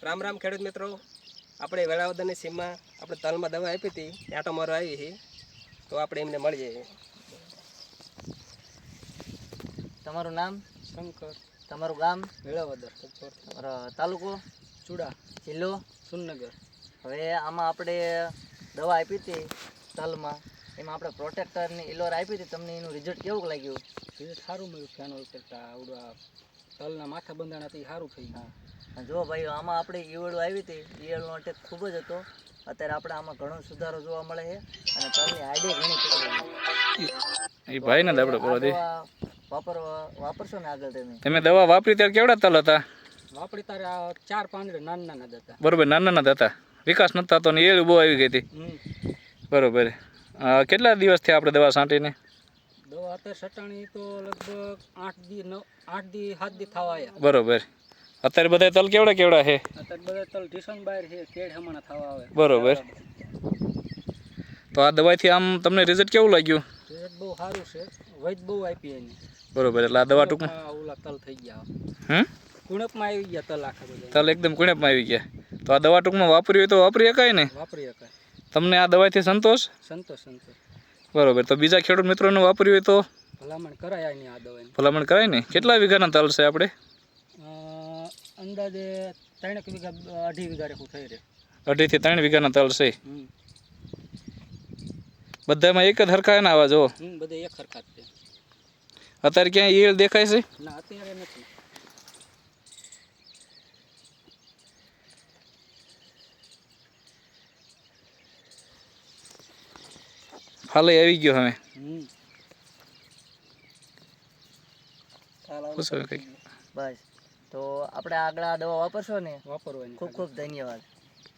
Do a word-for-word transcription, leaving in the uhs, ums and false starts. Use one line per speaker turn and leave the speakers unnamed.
રામ રામ ખેડૂત મિત્રો, આપણે વેળાવદરની સીમમાં આપણે તલમાં દવા આપી હતી, આંટો મારો આવી છે, તો આપણે એમને મળીએ.
તમારું નામ?
શંકર.
તમારું ગામ?
વેળાવદર.
તમારો તાલુકો?
ચુડા.
જિલ્લો?
સુરનગર.
હવે આમાં આપણે દવા આપી હતી તલમાં, એમાં આપણે પ્રોટેક્ટરની ઇલોર આપી હતી, તમને એનું રિઝલ્ટ કેવું લાગ્યું?
રિઝલ્ટ સારું મળ્યું. ફેનોલ કરતાં આવડું તલના માથા બંધાણાથી સારું થઈ ગયું.
હા, જો ભાઈ આમાં આપણે ઈયળો આવી હતી, ઈયળનો અટેક ખૂબ જ હતો. અત્યારે આપણે આમાં ઘણો સુધારો જોવા મળે છે અને તલની હાઈડે ઘણી પકડી
એ ભાઈ ને આપણે બોલો દે
વાપરવા વાપરશો ને આગળ તમે?
તમે દવા વાપરી ત્યારે કેવડા તલ હતા?
વાપરી તારે આ ચાર પાંદડે નાના નાના હતા.
બરોબર, નાના નાના હતા, વિકાસ નતા તો ને એ બહુ આવી ગઈ હતી. બરોબર. કેટલા દિવસથી આપણે દવા છાંટીને?
દવા અત્યારે સટાણી તો લગભગ આઠ દી નવ આઠ દી સાત દી થવા આવ્યા.
બરોબર. અત્યારે બધા તલ કેવડા કેવડા છે?
અત્યારે બધા તલ ઢીસણ બહાર છે, કેડ હમણાં થવા આવે.
બરોબર. તો આ દવાથી આમ તમને રિઝલ્ટ કેવું લાગ્યું?
રિઝલ્ટ બહુ સારું છે, વૈદ બહુ આપી એની.
બરોબર. એટલે આ દવા ટૂંકમાં
ઓલા તલ થઈ ગયા,
હમ
કુણપમાં આવી ગયા તલ આખા બધા.
તલ એકદમ કુણપમાં આવી ગયા. તો આ દવા ટૂંકમાં વાપરી હોય તો વાપરી શકાય ને?
વાપરી શકાય.
તમને આ દવાથી સંતોષ?
સંતોષ સંતોષ.
બરોબર. તો બીજા ખેડૂત મિત્રોને વાપરી હોય તો
ભલામણ કરાય નહીં આ દવાની.
ભલામણ કરાય ને? કેટલા વીઘાના તલ છે આપણે?
અંદાજે ત્રણેક વીઘા અઢી વીઘા રેખું થઈ રહે.
અઢી થી ત્રણ વીઘાના તલ છે. બધામાં એક જ હરખા ના આવા જો?
બધે એક હરખા જ છે.
અત્યારે ક્યાંય ઈયળ દેખાય છે?
ના, અત્યારે નથી.
હાલે આવી ગયો હવે.
બસ, તો આપણે આગળ આ દવા વાપરશો ને?
વાપરવાની.
ખૂબ ખૂબ ધન્યવાદ.